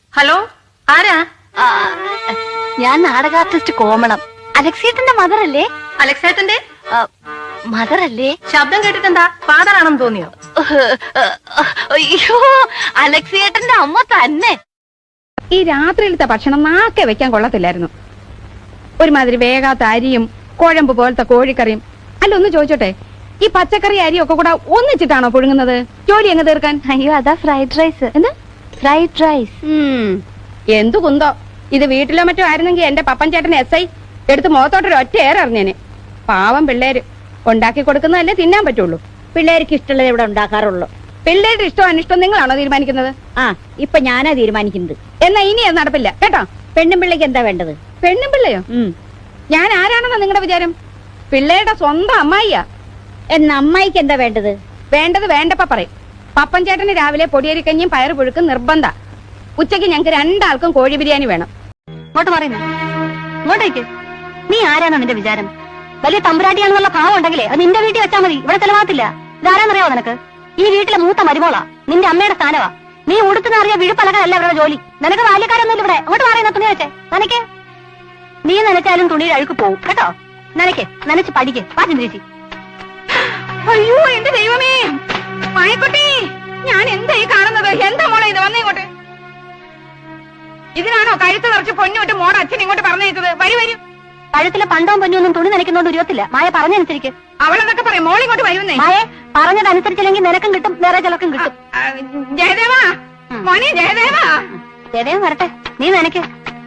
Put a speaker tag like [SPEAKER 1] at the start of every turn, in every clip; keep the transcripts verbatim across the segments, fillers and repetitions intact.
[SPEAKER 1] Hello, ആരാ?
[SPEAKER 2] ഞാൻ നാടക ആർട്ടിസ്റ്റ് കോമളം. അലക്സേട്ടന്റെ മദർ അല്ലേ?
[SPEAKER 1] അലക്സേട്ടന്റെ
[SPEAKER 2] മദർ അല്ലേ?
[SPEAKER 1] ശബ്ദം കേട്ടിട്ടെന്താ ഫാദർ ആണെന്ന് തോന്നിയോ?
[SPEAKER 2] അയ്യോ, അലക്സേട്ടന്റെ അമ്മ തന്നെ.
[SPEAKER 3] ഈ രാത്രിയിലത്തെ ഭക്ഷണം നാക്കെ വെക്കാൻ കൊള്ളത്തില്ലായിരുന്നു. ഒരുമാതിരി വേഗാത്ത അരിയും കുഴമ്പ് പോലത്തെ കോഴിക്കറിയും. അല്ല, ഒന്ന് ചോദിച്ചോട്ടെ, ഈ പച്ചക്കറി അരിയും ഒക്കെ കൂടെ ഒന്നിച്ചിട്ടാണോ പുഴുങ്ങുന്നത്? ജോലി എങ്ങ് തീർക്കാൻ?
[SPEAKER 2] അയ്യോ, അതാ ഫ്രൈഡ് റൈസ്. എന്താ ഫ്രൈഡ് റൈസ്?
[SPEAKER 3] എന്തു കുന്തോ. ഇത് വീട്ടിലോ മറ്റോ ആയിരുന്നെങ്കിൽ എന്റെ പപ്പൻ ചേട്ടൻ എസ് ഐ എടുത്ത് മുഖത്തോട്ടൊരു ഒറ്റ ഏററിഞ്ഞേനെ. പാവം പിള്ളേര് ഉണ്ടാക്കി കൊടുക്കുന്നതല്ലേ തിന്നാൻ പറ്റുള്ളൂ.
[SPEAKER 4] പിള്ളേർക്ക് ഇഷ്ടമുള്ളത് ഇവിടെ ഉണ്ടാക്കാറുള്ളൂ.
[SPEAKER 3] പിള്ളേരുടെ ഇഷ്ടം അനിഷ്ടം നിങ്ങളാണോ തീരുമാനിക്കുന്നത്?
[SPEAKER 4] ആ, ഇപ്പൊ ഞാനാ തീരുമാനിക്കുന്നത്.
[SPEAKER 3] എന്നാ ഇനി അത് നടപ്പില്ല കേട്ടോ.
[SPEAKER 4] പെണ്ണും പിള്ളേക്ക് എന്താ വേണ്ടത്?
[SPEAKER 3] പെണ്ണും പിള്ളയോ? ഞാൻ ആരാണെന്നാ നിങ്ങളുടെ വിചാരം? പിള്ളേരുടെ സ്വന്തം അമ്മായിയാ.
[SPEAKER 4] എന്നാ അമ്മായിക്ക് എന്താ വേണ്ടത്?
[SPEAKER 3] വേണ്ടത് വേണ്ടപ്പ പറയും. പപ്പൻ ചേട്ടന് രാവിലെ പൊടിയരിക്കഞ്ഞും പയറ് പുഴുക്കും നിർബന്ധ. ഉച്ചയ്ക്ക് ഞങ്ങൾക്ക് രണ്ടാൾക്കും കോഴി ബിരിയാണി വേണം.
[SPEAKER 2] ഇങ്ങോട്ട് പറയുന്നു, ഇങ്ങോട്ടേക്ക്. നീ ആരാണോ നിന്റെ വിചാരം? വലിയ തമ്പുരാട്ടിയാണെന്നുള്ള ഭാവം ഉണ്ടെങ്കിലേ അത് നിന്റെ വീട്ടിൽ വെച്ചാൽ മതി. ഇവിടെ ചെലവാത്തില്ല. ഇതാരാന്നറിയാവോ നിനക്ക്? ഈ വീട്ടിലെ മൂത്ത മരുമോളാ, നിന്റെ അമ്മയുടെ സ്ഥാനവാ. നീ ഉടുത്തുന്നറിയ വിഴുപ്പലകല്ല അവരുടെ ജോലി. നിനക്ക് ബാല്യക്കാരൊന്നുമില്ല ഇവിടെ. അങ്ങോട്ട് പറയുന്ന തുണി വെച്ചേ. നനയ്ക്ക്. നീ നനച്ചാലും തുണിയുടെ അഴുക്ക് പോവും കേട്ടോ. നനയ്ക്ക്, നനച്ച് പഠിക്ക്. പാചം തിരിച്ച്.
[SPEAKER 3] അയ്യോ എന്റെ ദൈവമേ, മായക്കുട്ടി, ഞാൻ എന്താ ഈ കാണുന്നത്? എന്താ മോളെ ഇത്? വന്നേ ഇങ്ങോട്ട്. ഇതിനാണോ കഴുത്ത് നിറച്ച് പൊന്നോട്ട് മോടെ അച്ഛൻ ഇങ്ങോട്ട് പറഞ്ഞയച്ചത്? വരൂ വരൂ.
[SPEAKER 2] കഴുത്തിലെ പണ്ടവും പൊന്നൊന്നും തുണി നനയ്ക്കുന്നോണ്ട് ഉരുവത്തില്ല. മായ പറഞ്ഞനുസരിക്ക്.
[SPEAKER 3] അവളെന്നൊക്കെ പറയും. മോളിങ്ങോട്ട് വരുന്നേ.
[SPEAKER 2] മായെ പറഞ്ഞതനുസരിച്ചില്ലെങ്കിൽ നിനക്കും കിട്ടും, വേറെ ചിലർക്കും കിട്ടും.
[SPEAKER 3] ജയദേവാ, മോനെ ജയദേവാ.
[SPEAKER 2] ജയദേവൻ വരട്ടെ, നീ നനയ്ക്ക്.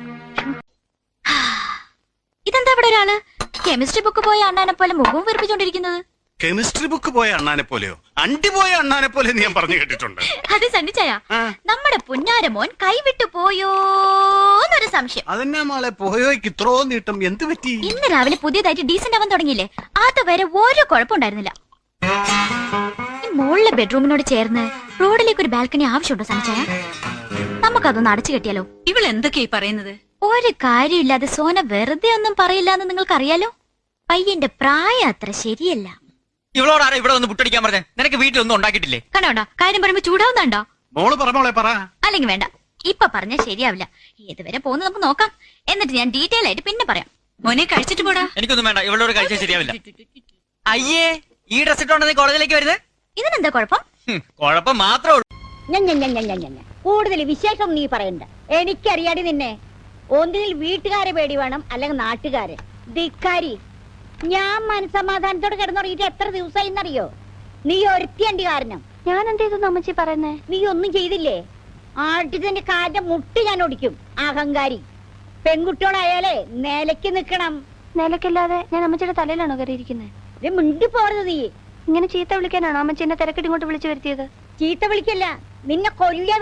[SPEAKER 5] ഇതെന്താ ഇവിടെ ഒരാള് കെമിസ്ട്രി ബുക്ക് പോയ അണ്ണാനെ പോലെ മുഖവും വെറുപ്പിച്ചോണ്ടിരിക്കുന്നത്?
[SPEAKER 6] കെമിസ്ട്രി ബുക്ക് പോയ അണ്ണാനെ പോലെയോ? അണ്ടി പോയ അണ്ണാനെ പോലെ ഞാൻ പറഞ്ഞു കേട്ടിട്ടുണ്ട്.
[SPEAKER 5] അത് സണ്ണിച്ചായ നമ്മുടെ പുന്നാരമോൻ കൈവിട്ടു പോയോന്നൊരു സംശയം.
[SPEAKER 6] അതെന്നാ മോളെ പോയോയ്ക്ക് ഇത്രോ നീട്ടം? എന്ത് പറ്റി?
[SPEAKER 5] ഇന്ന് രാവിലെ പുതിയതായിട്ട് ഡീസന്റ് ആവാൻ തുടങ്ങിയില്ലേ, അതുവരെ ഒരു കുഴപ്പമുണ്ടായിരുന്നില്ല. ഈ മുകളിലെ ബെഡ്റൂമിനോട് ചേർന്ന് റോഡിലേക്ക് ഒരു ബാൽക്കണി ആവശ്യമുണ്ടോ സണ്ണിച്ചായ? നമുക്കതൊന്ന് അടച്ചു കെട്ടിയാലോ?
[SPEAKER 1] ഇവൾ എന്തൊക്കെയായി പറയുന്നത്?
[SPEAKER 5] ഒരു കാര്യമില്ലാതെ സോന വെറുതെ ഒന്നും പറയില്ല എന്ന് നിങ്ങൾക്കറിയാലോ. പയ്യന്റെ പ്രായം അത്ര ശരിയല്ല.
[SPEAKER 7] ഇവളോട് ആരാ ഇവിടെ ഒന്ന് പുട്ടടിക്കാൻ പറഞ്ഞേ? നിനക്ക് വീട്ടിലൊന്നും ഉണ്ടാക്കിയിട്ടില്ലേ?
[SPEAKER 5] കണ്ടോണ്ടോ കാര്യം പറയുമ്പോ ചൂടാവുന്നുണ്ടോ?
[SPEAKER 6] മോള് പറ മോളെ പറ.
[SPEAKER 5] അല്ലെങ്കിൽ വേണ്ട, ഇപ്പൊ പറഞ്ഞാൽ ശരിയാവില്ല. ഏതുവരെ പോകുന്നത് നമുക്ക് നോക്കാം, എന്നിട്ട് ഞാൻ ഡീറ്റെയിൽ ആയിട്ട് പിന്നെ പറയാം.
[SPEAKER 1] മോനെ കഴിച്ചിട്ട് പോടാ.
[SPEAKER 7] എനിക്കൊന്നും വേണ്ട, ഇവളോട് കഴിച്ചാൽ ശരിയാവില്ല. അയ്യേ, ഈ ഡ്രസ് ഇട്ടോണ്ട് നീ കോളേജിലേക്ക് വരുന്നത്?
[SPEAKER 5] ഇതിനെന്താ കുഴപ്പം?
[SPEAKER 7] കുഴപ്പം മാത്രമേ ഉള്ളൂ.
[SPEAKER 4] കൂടുതൽ വിശേഷം നീ പറയണ്ട. എനിക്കറിയാടി നിന്നെ. ഒന്നിൽ വീട്ടുകാരെ പേടി വേണം, അല്ലെങ്കിൽ നാട്ടുകാരെ. ധിക്കാരി, ഞാൻ മനസമാധാനത്തോടെ കിടന്നുറങ്ങിയിട്ട് എത്ര ദിവസമായി എന്നറിയോ? നീ ഒരുത്തിയണ്ടി കാരണം.
[SPEAKER 2] ഞാൻ എന്ത് ചെയ്തു അമ്മച്ചി പറയുന്നേ?
[SPEAKER 4] നീ ഒന്നും ചെയ്തില്ലേ? ആട്ടിന്റെ കാലിന്റെ മുട്ട് ഞാൻ ഒടിക്കും. അഹങ്കാരി പെൺകുട്ടികളായാലേ നിലയ്ക്ക് നിക്കണം.
[SPEAKER 2] നിലക്കില്ലാതെ ഞാൻ അമ്മച്ചിയുടെ തലയിലാണോ കയറിയിരിക്കുന്നത്?
[SPEAKER 4] മിണ്ടി പോരുത് നീ.
[SPEAKER 2] ഇങ്ങനെ ചീത്ത വിളിക്കാനാണോ അമ്മച്ചി എന്നെ തിരക്കിട്ട് ഇങ്ങോട്ട് വിളിച്ചു വരുത്തിയത്?
[SPEAKER 4] ചീത്ത വിളിക്കല്ല, നിന്നെ കൊല്ല